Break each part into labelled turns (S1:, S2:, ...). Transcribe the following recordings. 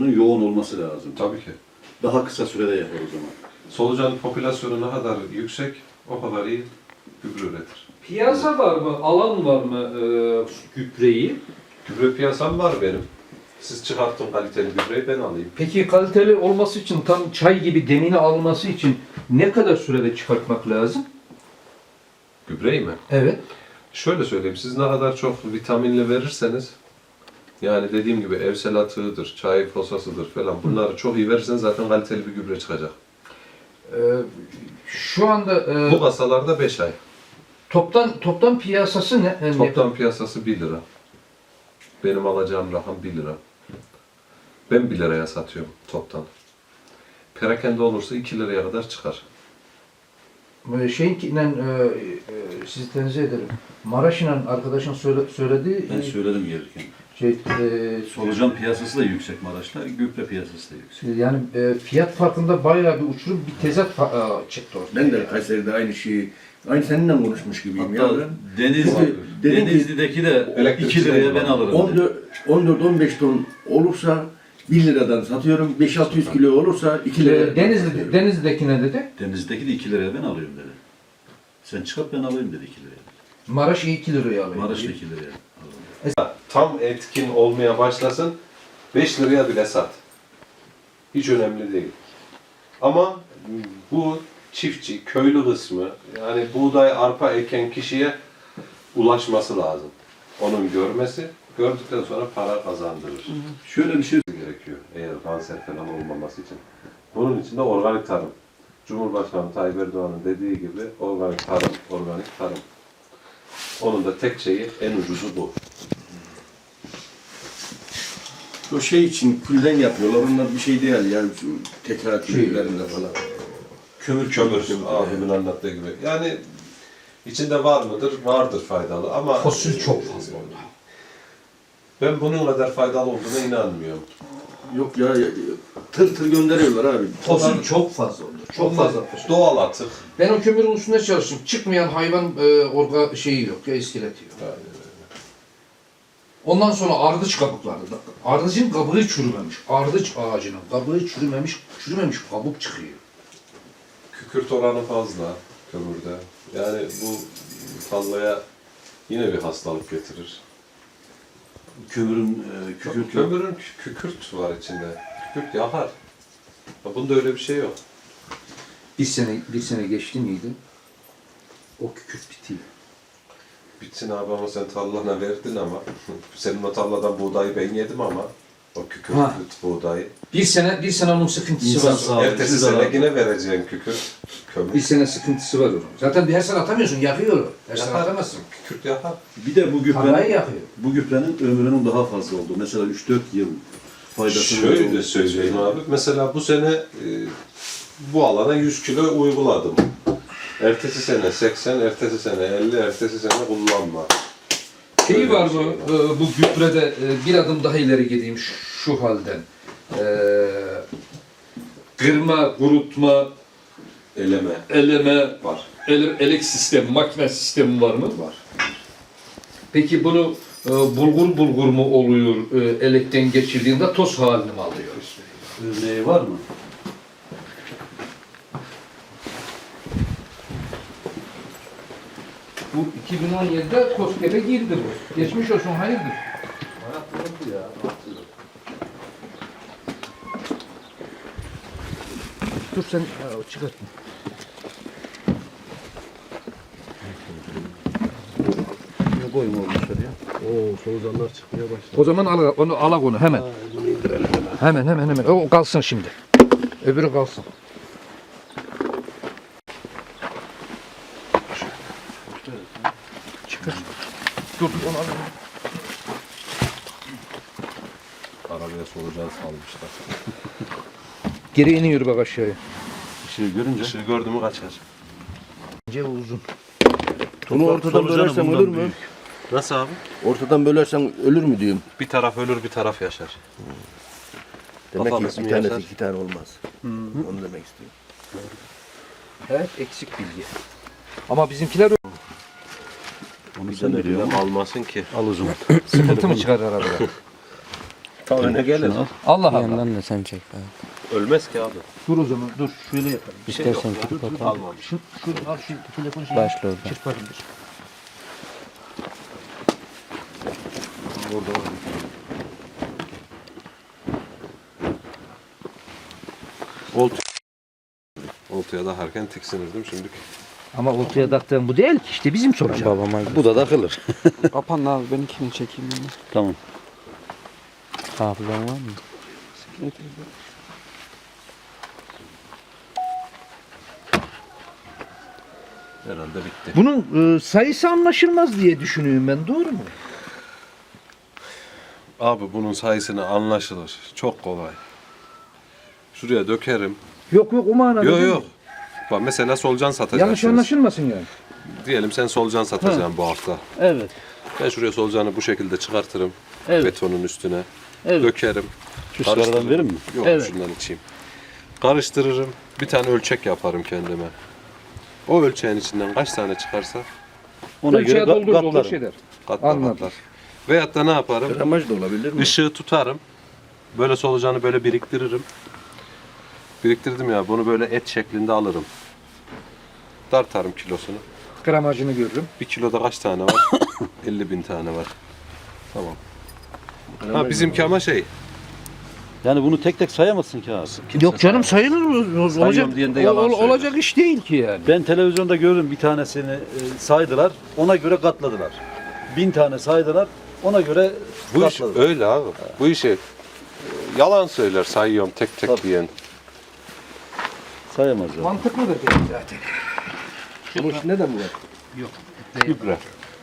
S1: yoğun olması lazım.
S2: Tabii ki.
S1: Daha kısa sürede yapar o zaman.
S2: Solucan popülasyonu ne kadar yüksek, o kadar iyi gübre üretir.
S3: Piyasa var mı? Alan var mı gübreyi?
S2: Gübre piyasam var benim. Siz çıkarttın kaliteli gübreyi, ben alayım.
S3: Peki kaliteli olması için, tam çay gibi demini alması için ne kadar sürede çıkartmak lazım?
S2: Gübreyi mi?
S3: Evet.
S2: Şöyle söyleyeyim, siz ne kadar çok vitaminli verirseniz, yani dediğim gibi evsel atığıdır, çay posasıdır falan, bunları çok iyi verirseniz zaten kaliteli bir gübre çıkacak.
S3: Şu anda
S2: Bu kasalarda 5 ay.
S3: toptan piyasası ne?
S2: Toplam piyasası 1 lira. Benim alacağım rakam 1 lira. Ben 1 liraya satıyorum toptan. Perakende olursa 2 liraya kadar çıkar.
S3: Şeyinkiyle sizi tenzih ederim. Maraş'la arkadaşın söylediği
S1: Ben söyledim gelirken.
S3: şey,
S1: Solucan piyasası da yüksek Maraş'ta, gübre piyasası da yüksek.
S3: yani fiyat farkında bayağı bir uçurum, bir tezat çıktı ortaya.
S4: Ben de Kayseri'de aynı şeyi, aynı seninle konuşmuş gibiyim
S1: Hatta
S4: ya.
S1: Denizli'deki de
S2: Elektrik
S1: 2 liraya ben alırım dedi.
S4: 14-15 ton olursa 1 liradan satıyorum, 5-600 kilo olursa 2 liraya satıyorum.
S3: Denizli'deki ne dedi?
S1: Denizli'deki de 2 liraya ben alıyorum dedi. Sen çıkart ben alayım dedi 2 liraya.
S3: Maraş 2 liraya alıyor.
S1: Maraş'ta 2 liraya alalım.
S2: Tam etkin olmaya başlasın, 5 liraya bile sat. Hiç önemli değil. Ama bu çiftçi, köylü kısmı, yani buğday, arpa eken kişiye ulaşması lazım. Onun görmesi, gördükten sonra para kazandırır.
S1: Şöyle bir şey
S2: Gerekiyor eğer kanser falan olmaması için. Bunun için de organik tarım. Cumhurbaşkanı Tayyip Erdoğan'ın dediği gibi organik tarım, organik tarım. Onun da tek şeyi, en ucuzu bu.
S4: O şey için külden yapıyorlar, onlar bir şey değil yani şu tekrar küllerinde falan.
S2: Kömür abimin anlattığı gibi. Yani içinde var mıdır? Vardır faydalı ama
S3: Fosil çok fazla oldu.
S2: ben bunun kadar faydalı olduğuna inanmıyorum.
S4: Yok ya, tır tır gönderiyorlar abi.
S3: Fosil çok fazla oldu. Çok
S2: Onlar
S3: fazla fosil.
S2: doğal atık.
S3: Ben o kömürün üstünde çalıştım. Çıkmayan hayvan şeyi yok ya, iskeleti yok. Ondan sonra ardıç kabukları. Ardıcın kabuğu çürümemiş. Ardıç ağacının kabuğu çürümemiş kabuk çıkıyor.
S2: Kükürt oranı fazla kömürde. Yani bu tarlaya yine bir hastalık getirir.
S1: kömürün
S2: Kömürün kükürt var içinde. Kükürt yakar. Bunda öyle bir şey yok.
S3: Bir sene geçti miydi? O kükürt bitiyor.
S2: Bitsin abi ama sen tarlana verdin ama. Senin o tarladan buğdayı ben yedim ama. O kükürt
S3: Ha.
S2: buğdayı.
S3: Bir sene onun sıkıntısı
S1: İnsan
S3: var.
S1: sağlığı.
S2: Ertesi sene yine vereceğim kükürt. Kömür.
S3: Bir sene sıkıntısı var onun. Zaten her sene atamıyorsun, yakıyor. Her sene
S2: Yakar.
S3: atamazsın.
S2: Kükürt yakar.
S1: bir de bu
S3: Tarlayı yakıyor.
S1: gübrenin ömrünün daha fazla olduğu. Mesela 3-4 yıl faydasını
S2: Şöyle söyleyeyim abi. Mesela bu sene bu alana 100 kilo uyguladım. Ertesi sene 80, ertesi sene 50, ertesi sene kullanma.
S3: Şeyi var mı bu gübrede, bir adım daha ileri gideyim şu halden. Kırma, kurutma, eleme,
S2: Var.
S3: elek sistemi, makine sistemi var mı?
S2: Var.
S3: Peki bunu bulgur mu oluyor, elekten geçirdiğinde toz halini mi alıyor?
S1: örneği var mı?
S3: Bu 2017'de KOSGEB'e girdi bu. Geçmiş olsun, hayırdır? Dur sen çıkartma.
S1: Ne koyma olmuş ya?
S5: Oo, solucanlar çıkmaya başladı.
S3: O zaman alak onu hemen. Hemen. O kalsın şimdi. Öbürü kalsın. Çıkar. Dur onu al.
S2: Arabaya solucan salmışlar.
S3: Geri iniyor bak aşağıya.
S1: Şey görünce
S2: Işığı gördü mü kaçar.
S3: İnce uzun.
S4: Bunu ortadan bölersen ölür mü?
S2: Nasıl abi?
S4: Ortadan bölersen ölür mü diyorum.
S2: Bir taraf ölür, bir taraf yaşar.
S4: Demek
S2: Bakalım
S4: ki
S2: ismi
S4: bir tanesi
S2: yazar.
S4: 2 tane olmaz. Onu demek istiyorum.
S3: Evet, eksik bilgi. Ama bizimkiler
S1: onu sen
S2: Sen
S1: biliyor musun?
S2: almasın ki.
S1: Al o zaman.
S3: sıkıntı mı çıkar arabada?
S2: Ta öne gelir.
S3: Allah
S6: Bir
S3: Allah.
S6: yandan da sen çek abi.
S2: Ölmez ki abi.
S4: Dur o zaman dur şöyle yapalım.
S6: İstersen tut bakalım.
S2: Almamış.
S4: Şu al şu telefonu şey.
S6: Başla oradan.
S4: Çırparım bir.
S2: Orada var. Oltaya da harken tiksinirdim şimdi.
S4: Ama oltaya taktığım bu değil ki işte bizim soracağım.
S6: Babama
S1: Bu da takılır.
S6: Kapan abi benimkini çekeyim ben.
S1: Tamam.
S6: Hafızan var mı?
S2: Herhalde bitti.
S4: Bunun sayısı anlaşılmaz diye düşünüyorum ben. Doğru mu?
S2: Abi bunun sayısını anlaşılır. Çok kolay. Şuraya dökerim.
S4: Yok o manada.
S2: Yok
S4: değil
S2: yok.
S4: mi?
S2: Bak mesela solucan satacaksınız.
S4: Yanlış anlaşılmasın yani.
S2: Diyelim sen solucan satacaksın bu hafta.
S4: Evet.
S2: Ben şuraya solucanı bu şekilde çıkartırım.
S4: Evet.
S2: Betonun üstüne.
S4: Evet.
S2: Dökerim.
S1: Şu sigaradan verir mi?
S2: Yok
S4: Evet.
S2: şundan içeyim. Karıştırırım. Bir tane ölçek yaparım kendime. O ölçeğin içinden kaç tane çıkarsa
S1: Ona
S3: Ölçeğe
S1: göre
S3: doldur
S1: katlarım.
S3: şeyler.
S2: katla
S3: Anladım.
S2: katlar. Veyahut da ne yaparım?
S4: Gramaj da olabilir mi?
S2: Işığı tutarım. Böyle solucanı böyle biriktiririm. Biriktirdim ya bunu böyle et şeklinde alırım. Tartarım kilosunu.
S3: Gramajını görürüm.
S2: 1 kiloda kaç tane var? 50.000 tane var. Tamam. Ha bizimki ama şey.
S1: Yani bunu tek tek sayamazsın ki abi.
S4: Yok canım sayılır mı? Olacak,
S1: Sayıyorum diyen de yalan söylüyor.
S4: olacak iş değil ki yani.
S1: Ben televizyonda gördüm bir tanesini saydılar. Ona göre katladılar. 1000 tane saydılar. Ona göre
S2: Bu iş
S1: katladılar.
S2: öyle abi. Bu işi yalan söyler sayıyorum tek tek
S1: Tabii.
S2: diyen.
S1: Sayamazlar.
S3: Mantıklı da değil zaten.
S4: Bunun içinde de mi var?
S2: Gübre.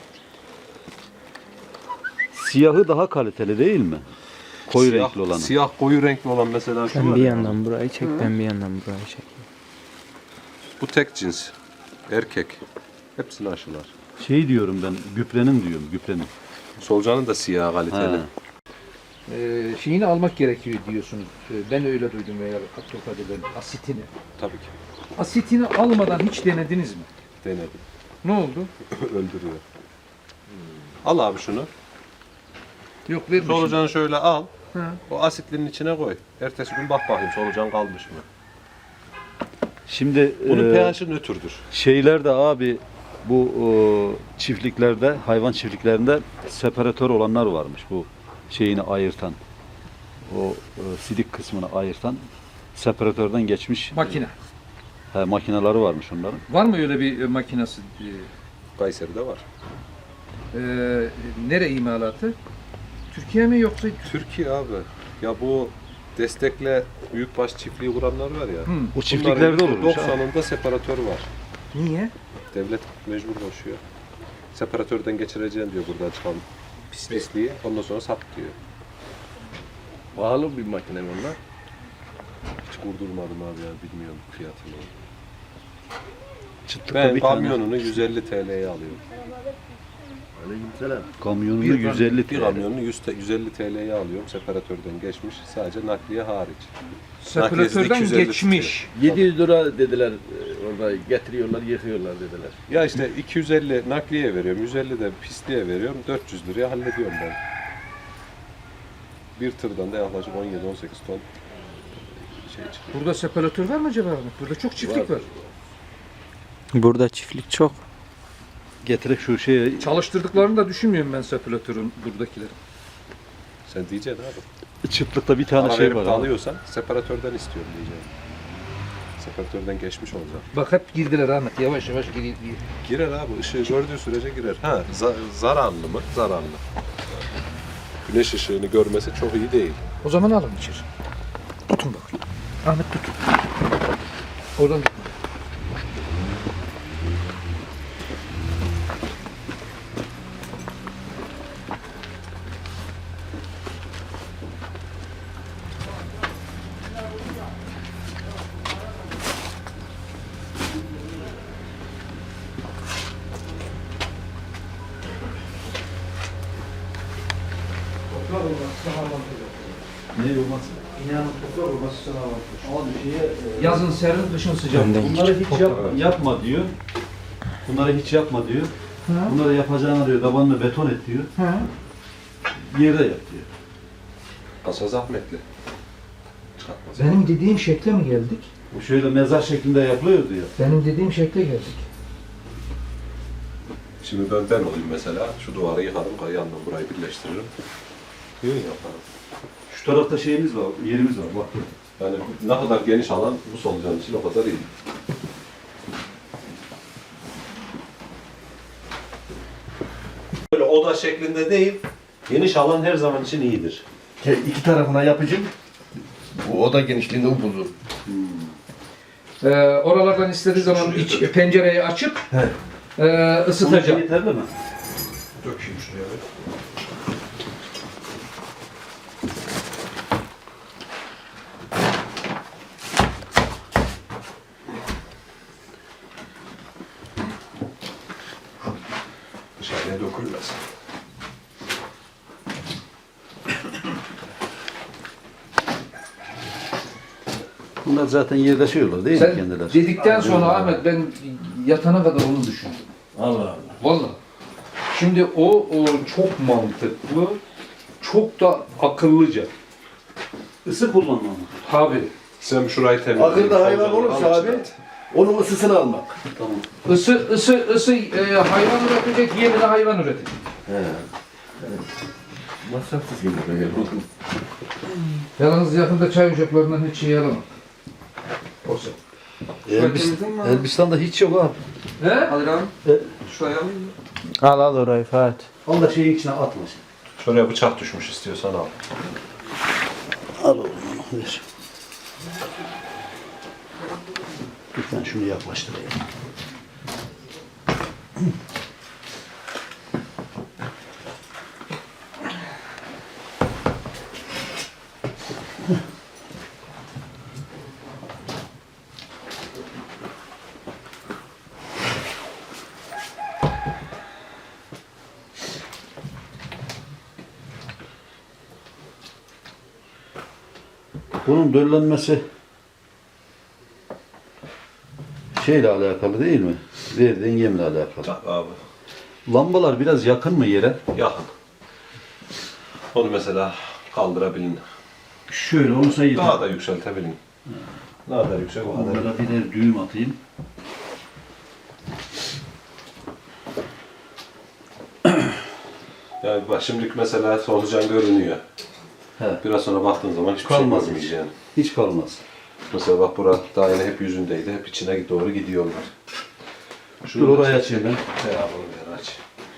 S1: Siyahı daha kaliteli değil mi? Koyu
S2: Siyah-
S1: renkli olanı.
S2: Siyah koyu renkli olan mesela şu
S6: Sen
S2: var
S6: bir
S2: ya.
S6: yandan burayı çek, ben bir yandan burayı çek.
S2: Bu tek cins. Erkek. Hepsini aşılar.
S1: Şey diyorum ben, güprenin diyorum, güprenin.
S2: Solucanın da siyah kaliteli.
S1: He.
S3: Şeyini almak gerekiyor diyorsunuz. Ben öyle duydum veya Abdülkadir'den asitini.
S2: Tabii ki.
S3: Asitini almadan hiç denediniz mi?
S2: Denedim.
S3: Ne oldu?
S2: Öldürüyor. Al abi şunu.
S3: Yok vermişim.
S2: Solucanı şöyle al.
S3: Ha.
S2: O asitlinin içine koy. Ertesi gün bak bakayım solucan kalmış mı?
S1: Şimdi
S2: Bunun pH'i nötrdür.
S1: şeylerde abi bu çiftliklerde, hayvan çiftliklerinde separatör olanlar varmış. Bu şeyini ayırtan, o sidik kısmını ayırtan separatörden geçmiş
S3: Makine.
S1: makineleri varmış onların.
S3: Var mı öyle bir makinesi?
S2: Kayseri'de var.
S3: Nere imalatı? Türkiye mi yoksa?
S2: Türkiye abi. Ya bu destekle büyükbaş çiftliği kuranlar var ya.
S1: O çiftliklerde olurmuş. ha.
S2: 90'ında separatör var.
S3: Niye?
S2: Devlet mecbur koşuyor. Separatörden geçireceğim diyor buradan çıkan pisliği. Ondan sonra sat diyor.
S4: Pahalı bir makine mi onlar?
S2: Hiç kurdurmadım abi ya bilmiyorum fiyatını.
S1: Çıtlıkta
S2: Ben
S1: bir tane.
S2: kamyonunu 150 TL'ye alıyorum.
S4: Aleykümselam.
S1: Kamyonunu
S2: Bir
S1: 150
S2: Bir
S1: TL.
S2: kamyonunu 150 TL'ye alıyorum separatörden geçmiş. Sadece nakliye hariç.
S3: Separatörden
S2: 250
S3: geçmiş.
S4: 700 lira dediler orada getiriyorlar yıkıyorlar dediler.
S2: Ya işte 250 nakliye veriyorum, 150 de pisliğe veriyorum, 400 liraya hallediyorum ben. Bir tırdan da yaklaşık 17-18 ton şey çıkıyor.
S3: Burada separatör var mı acaba? Burada çok çiftlik var.
S6: Burada çiftlik çok.
S1: Getirek şu şeye
S3: Çalıştırdıklarını da düşünmüyorum ben separatörün buradakileri.
S2: Sen diyeceksin abi.
S1: çıtlıkta bir tane
S2: Para
S1: şey
S2: verip
S1: var.
S2: de
S1: abi.
S2: alıyorsan separatörden istiyorum diyeceğim. Separatörden geçmiş olacak.
S3: Bak hep girdiler Ahmet. Yavaş yavaş giriyor.
S2: Girer abi, ışığı gördüğü sürece girer. Ha, zararlı mı? Zararlı. Güneş ışığını görmesi çok iyi değil.
S3: O zaman alın içeri. Tutun bakayım. Ahmet tut. Oradan tut.
S1: Ne olmaz?
S3: Yazın serin, kışın sıcak.
S1: Bunları hiç yapma diyor. Bunları hiç yapma diyor. Bunları yapacağına diyor tabanını beton et diyor. Yerde yap diyor.
S2: Kasa zahmetli. Çıkartmaz.
S3: Benim dediğim şekle mi geldik?
S1: Bu şöyle mezar şeklinde yapılıyordu ya.
S3: Benim dediğim şekle geldik.
S2: Şimdi ben olayım mesela. Şu duvarı yıkarım, yandan burayı birleştiririm. Yön yaparım.
S1: Şu tarafta şeyimiz var, yerimiz var. Bak.
S2: Yani ne kadar geniş alan bu solucan için o kadar iyi. Böyle oda şeklinde değil, geniş alan her zaman için iyidir.
S4: İki tarafına yapıcım. Bu oda genişliğinde upuzun.
S3: Oralardan istediği zaman pencereyi açıp ısıtacak.
S1: Yeterli mi?
S2: Dökeyim şuraya bir. Dışarıya dökülmez.
S1: Bunlar zaten yerleşiyorlar değil mi
S3: Sen
S1: kendileri?
S3: dedikten sonra Ahmet ben yatana kadar onu düşündüm.
S4: Allah Allah.
S3: Vallahi. Şimdi o çok mantıklı, çok da akıllıca.
S1: Isı kullanmam.
S3: Tabii.
S2: Sen şurayı temizle.
S4: Akılda hayvan olursa abi, onun ısısını almak.
S1: Tamam.
S3: Isı hayvan üretecek, yerine hayvan üretecek.
S4: Masrafsız gibi böyle.
S3: Yalnız yakında çay ocaklarından hiç şey yaramam. Olsa.
S1: Elbistan'da hiç yok abi.
S3: He?
S6: Al al orayı Fatih.
S1: Al da şeyin içine atma sen.
S2: Şuraya bıçak düşmüş istiyorsan al.
S1: Al oğlum onu ver. Lütfen şunu yaklaştırayım. Bunun döllenmesi şeyle alakalı değil mi? Verdiğin yemle alakalı.
S2: Tabii abi.
S1: Lambalar biraz yakın mı yere?
S2: Yakın. Onu mesela kaldırabilin.
S1: Şöyle olursa yeter.
S2: Daha da yükseltebilin. Ne kadar yüksek o kadar.
S1: Onlara birer düğüm atayım.
S2: Yani bak şimdilik mesela solucan görünüyor.
S1: He.
S2: Biraz sonra baktığın zaman hiçbir
S1: Kalmaz
S2: şey
S1: hiç.
S2: görmeyeceksin.
S1: Hiç kalmaz.
S2: Mesela bak bura daha yine hep yüzündeydi. Hep içine doğru gidiyorlar.
S1: Dur orayı açayım ben.
S2: He abi onu ver aç.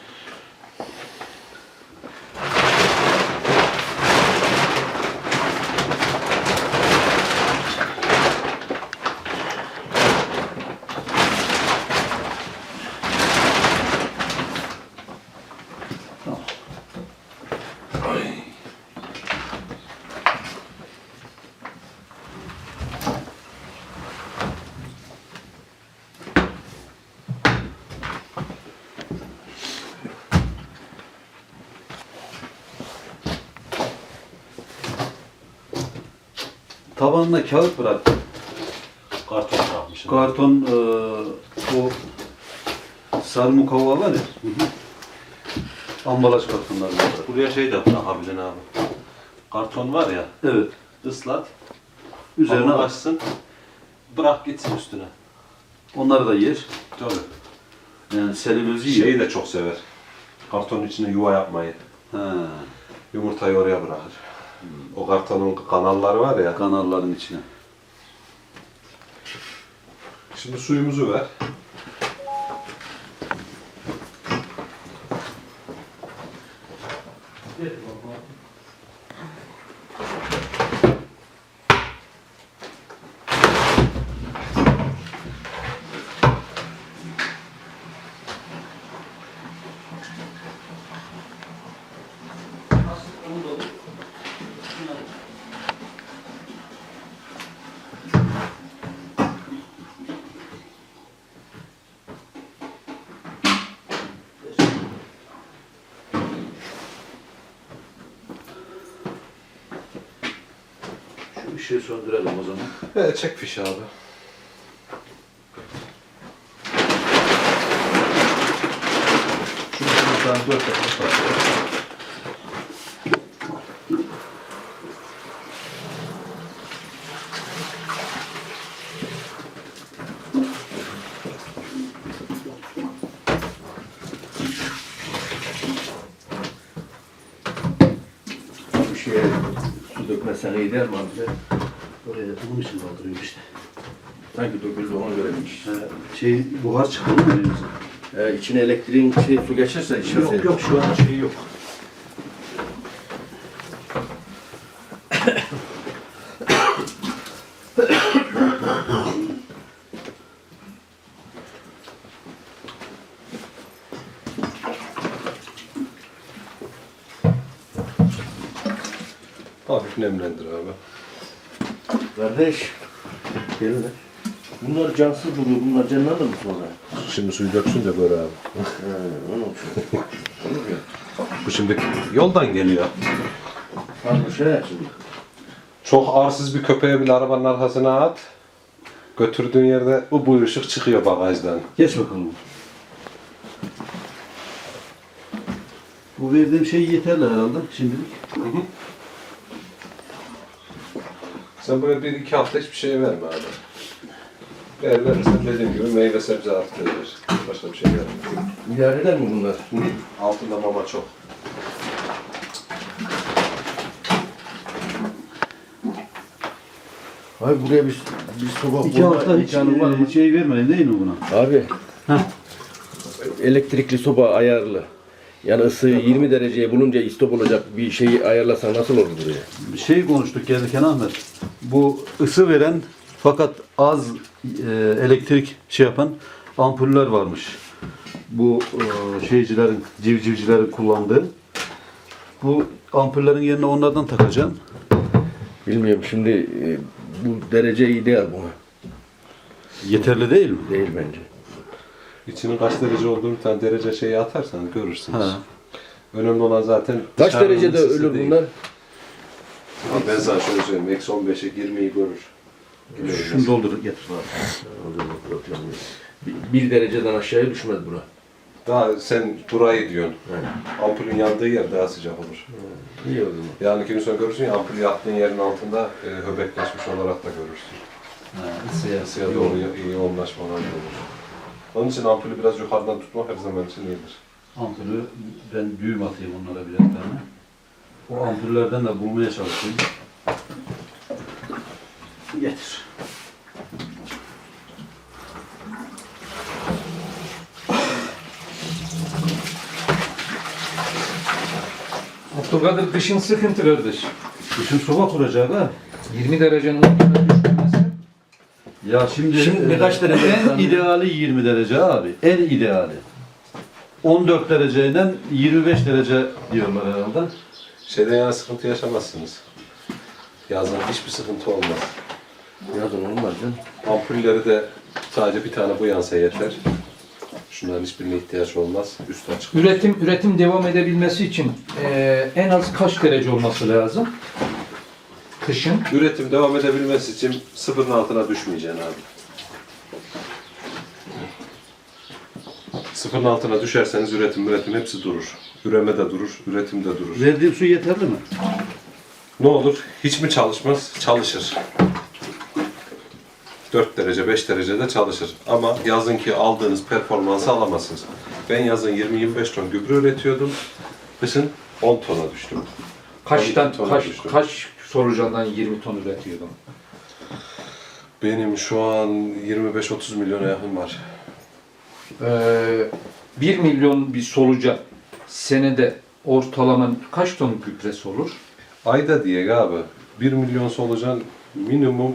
S1: Tabanına kağıt bıraktım.
S2: Karton bırakmışım.
S1: Karton o sarı mukavva var ya. Ambalaj kartonları var.
S2: Buraya şey de bırakabilin abi. Karton var ya.
S1: Evet.
S2: Islat.
S1: Üzerine
S2: Üzerine
S1: at.
S2: açsın. Bırak gitsin üstüne.
S1: Onları da yer.
S2: Tabii.
S1: Yani selülozu yer.
S2: Şeyi de çok sever. Kartonun içine yuva yapmayı.
S1: Ha,
S2: Yumurtayı oraya bırakır. O kartonun kanalları var ya.
S1: kanalların içine.
S2: Şimdi suyumuzu ver.
S1: Şu ışığı söndürelim o zaman.
S2: Evet çek fişi abi.
S1: Şunu buradan 4 dakika.
S4: toz dökmezsen iyi der mi abi?
S1: Oraya bunun için kaldırıyor işte.
S4: Sanki döküldü ona göreymiş.
S1: Buhar çıktı mı elimizden?
S4: İçine elektriğin su geçerse işe
S1: Yok yok şu an şey yok.
S2: Hafif nemlendir abi.
S4: Kardeş. Gel lan. Bunlar cansız duruyor. Bunlar canlanır mı sonra?
S2: Şimdi suyu döksün de böyle abi.
S4: Onun için.
S2: Bu şimdi yoldan geliyor.
S4: Farklı şey şimdi.
S2: Çok arsız bir köpeğe bile arabanın arkasına at. Götürdüğün yerde bu ışık çıkıyor bagajdan.
S1: Geç bakalım. Bu verdiğim şey yeterli herhalde şimdilik.
S2: Sen böyle 1-2 hafta hiçbir şey verme abi. Verirsen dediğim gibi meyve sebze arttırır. Başka bir şey verme.
S4: İdare eder mi bunlar?
S2: Altında mama çok.
S4: Abi buraya bir soba
S1: 2 hafta hiç şey vermeyin değil mi buna?
S4: Abi. Elektrikli soba ayarlı. Yani ısı 20 dereceye bulunca istop olacak bir şeyi ayarlasan nasıl olur buraya?
S1: Bir şey konuştuk gelirken Ahmet. Bu ısı veren fakat az elektrik şey yapan ampuller varmış. Bu şeycilerin, civcivcilerin kullandığı. Bu ampullerin yerine onlardan takacağım.
S4: Bilmiyorum şimdi bu derece ideal buna.
S1: Yeterli değil mi?
S4: Değil bence.
S2: İçinin kaç derece olduğunu bir tane derece şeyi atarsan görürsünüz.
S1: Ha.
S2: Önemli olan zaten
S4: Kaç
S2: dışarının
S4: derecede
S2: ısısı
S4: ölür
S2: değil.
S4: bunlar?
S2: Abi ben sana şöyle söyleyeyim. Eksi 15'e 20'yi görür.
S1: Şunu doldur getir.
S4: Bir dereceden aşağıya düşmez bura.
S2: Daha sen burayı diyorsun.
S4: Evet.
S2: Ampulün yandığı yer daha sıcak olur.
S4: İyi o zaman.
S2: Yani iki gün sonra görürsün ya ampulü yaktığın yerin altında höbekleşmiş olarak da görürsün. Isıya doğru iyi yoğunlaşmalar olur. Onun için ampulü biraz yukarıdan tutmak her zaman için iyidir.
S1: Ampulü ben düğüm atayım onlara birer tane. O ampullerden de bulmaya çalışayım. Getir.
S3: Abdülkadir kışın sıkıntı kardeş.
S1: Bütün soba kuracak ha.
S3: 20 derecenin altına düşmemesi.
S1: Ya şimdi
S4: kaç derece?
S1: En ideali 20 derece abi. En ideali. 14 dereceyle 25 derece diyorlar herhalde.
S2: Şeyden yana sıkıntı yaşamazsınız. Yazın hiçbir sıkıntı olmaz.
S4: Yazın olmaz canım.
S2: Ampulleri de sadece bir tane bu yansa yeter. Şunların hiçbirine ihtiyaç olmaz. Üstü açık.
S3: Üretim devam edebilmesi için en az kaç derece olması lazım? Kışın.
S2: Üretim devam edebilmesi için sıfırın altına düşmeyeceksin abi. Sıfırın altına düşerseniz üretim hepsi durur. Üreme de durur, üretim de durur.
S1: Verdiğim su yeterli mi?
S2: Ne olur? Hiç mi çalışmaz? Çalışır. 4 derece, 5 derecede çalışır. Ama yazınki aldığınız performansı alamazsınız. Ben yazın 20-25 ton gübre üretiyordum. Kışın 10 tona düştüm.
S3: Kaç solucandan 20 ton üretiyordun?
S2: Benim şu an 25-30 milyona yakın var.
S3: 1 milyon bir solucan senede ortalama kaç ton gübresi olur?
S2: Ayda diye abi 1 milyon solucan minimum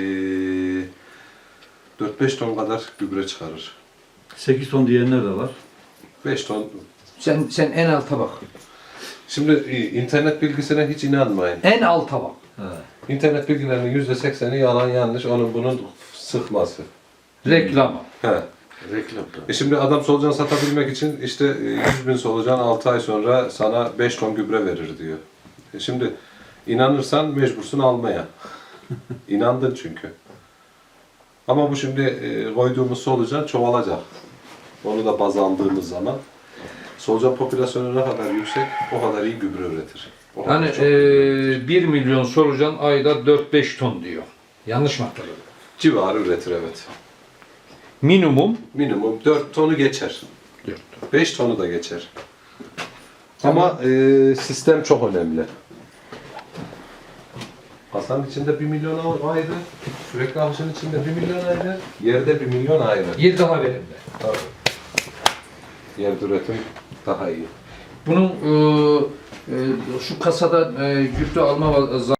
S2: 4-5 ton kadar gübre çıkarır.
S1: 8 ton diyenler de var.
S2: 5 ton.
S3: Sen en alta bak.
S2: Şimdi internet bilgisine hiç inanmayın.
S3: En alta bak.
S2: İnternet bilgilerinin %80'i yalan yanlış. Onun bunun sıkması.
S3: Reklama.
S2: He.
S4: Reklam.
S2: Şimdi adam solucan satabilmek için işte 100.000 solucan 6 ay sonra sana 5 ton gübre verir diyor. Şimdi inanırsan mecbursun almaya. İnandın çünkü. Ama bu şimdi koyduğumuz solucan çoğalacak. Onu da baz aldığımız zaman solucan popülasyonu ne kadar yüksek o kadar iyi gübre üretir. O kadar
S3: Yani
S2: çok gübre
S3: 1 milyon solucan ayda 4-5 ton diyor. Yanlış mı hatırladım?
S2: civarı üretir evet.
S3: Minimum
S2: Minimum 4 tonu geçer. 5 tonu da geçer. Ama sistem çok önemli. Masanın içinde 1 milyon ayrı, sürekli alışın içinde 1 milyon ayrı, yerde 1 milyon ayrı.
S3: Yer daha verimli.
S2: Tabii. Yerde üretim daha iyi.
S3: Bunun şu kasada gübre alma